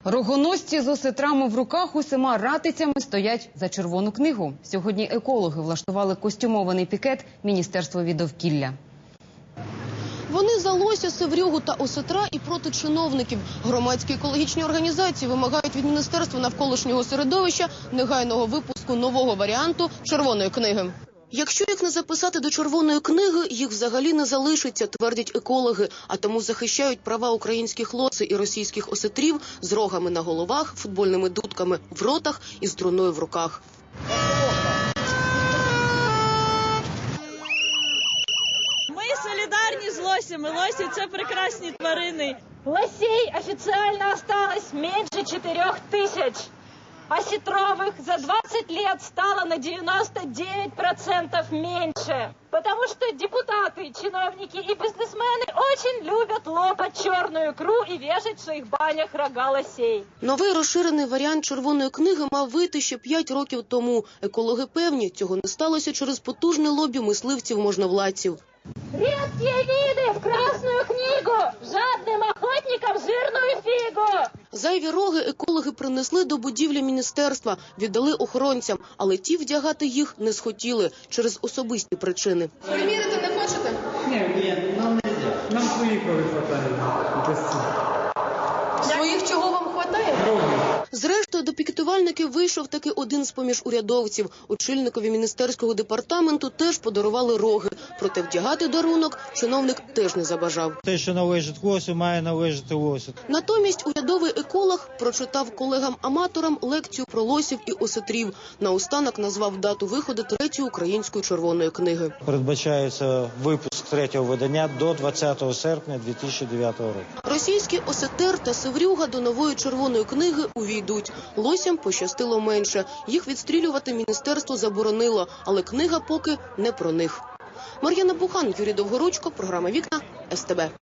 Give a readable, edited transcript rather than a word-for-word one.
Рогоносці з осетрами в руках усіма ратицями стоять за червону книгу. Сьогодні екологи влаштували костюмований пікет Міністерства від довкілля. Вони за лося, севрюгу та осетра і проти чиновників. Громадські екологічні організації вимагають від Міністерства навколишнього середовища негайного випуску нового варіанту червоної книги. Якщо їх не записати до червоної книги, їх взагалі не залишиться, твердять екологи. А тому захищають права українських лоси і російських осетрів з рогами на головах, футбольними дудками в ротах і струною в руках. Ми солідарні з лосями. Лосі – це прекрасні тварини. Лосей официально осталось меньше 4000. Осетровых за 20 лет стало на 99% меньше. Потому что депутаты, чиновники и бизнесмены очень любят лопать черную икру и вешать в своих банях рога лосей. Новий розширений варіант червоної книги мав вийти ще 5 років тому. Екологи певні, цього не сталося через потужне лобі мисливців-можновладців. Редкие виды в Красную книгу, жадным охотникам жирную фигу. Зайві роги екологи принесли до будівлі міністерства, віддали охоронцям, але ті вдягати їх не схотіли через особисті причини. Примірити не хочете? Ні, нам не можна. Нам своїх не вистачає. Своїх чого вам хватає? Зрештою, до пікетувальників вийшов таки один з-поміж урядовців. Очільникові міністерського департаменту теж подарували роги. Проте вдягати дарунок чиновник теж не забажав. Те, що належить лосю, має належати лосю. Натомість урядовий еколог прочитав колегам-аматорам лекцію про лосів і осетрів. Наостанок назвав дату виходу 3-ї української червоної книги. Передбачається випуск 3-го видання до 20 серпня 2009 року. Російський осетер та севрюга до нової червоної книги увійдуть. Лосям пощастило менше. Їх відстрілювати міністерство заборонило, але книга поки не про них. Мар'яна Бухан, Юрій Довгоручко, програма «Вікна», СТБ.